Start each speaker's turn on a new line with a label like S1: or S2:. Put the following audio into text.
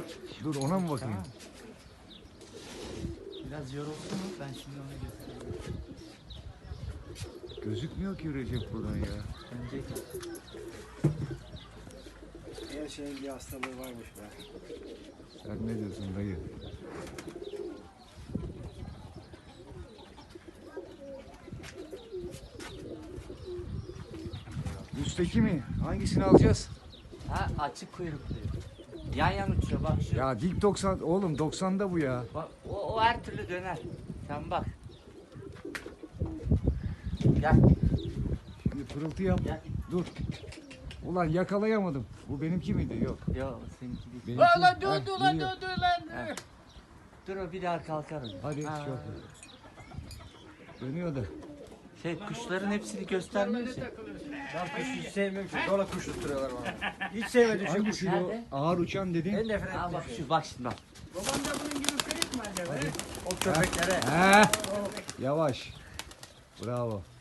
S1: Dur ona mı bakayım?
S2: Tamam. Biraz yoruldu mu? Ben şimdi onu göstereyim.
S1: Gözükmüyor ki Recep buradan ya.
S2: Önce
S3: Her şeyin bir hastalığı varmış be.
S1: Sen ne diyorsun dayı? Üstteki mi? Hangisini alacağız?
S2: ha açık kuyruklu. Yan yan uçuyor bak şu.
S1: Ya dik 90 oğlum 90'da bu ya.
S2: Bak, o her türlü döner. Sen bak. Gel.
S1: Şimdi pırıltı yap.
S2: Gel.
S1: Dur. Ulan yakalayamadım. Bu benimki miydi? Yok.
S2: Yok seninki değil.
S1: Benimki.
S4: Ulan
S1: Heh,
S4: durdu lan
S1: geliyor.
S4: durdu lan.
S2: Ha. Dur o bir daha kalkar. o.
S1: Hadi
S2: Ha.
S1: şu. Dönüyor da.
S2: Şey kuşların hepsini göstermiyor ki.
S3: Ben kuş hiç sevmiyorum ki. Dola kuş tutturuyorlar bana. Hiç sevmedim şu
S1: Hangi
S3: kuşu.
S1: şu
S2: Nerede?
S1: ağır uçan dedin?
S3: En nefret
S2: Ha
S3: ettiğim
S2: bak
S3: şey.
S2: şu bak şimdi bak.
S4: Baban da bunun gibi kırık mı acaba?
S3: O köpeklere.
S1: He. Yavaş. Bravo.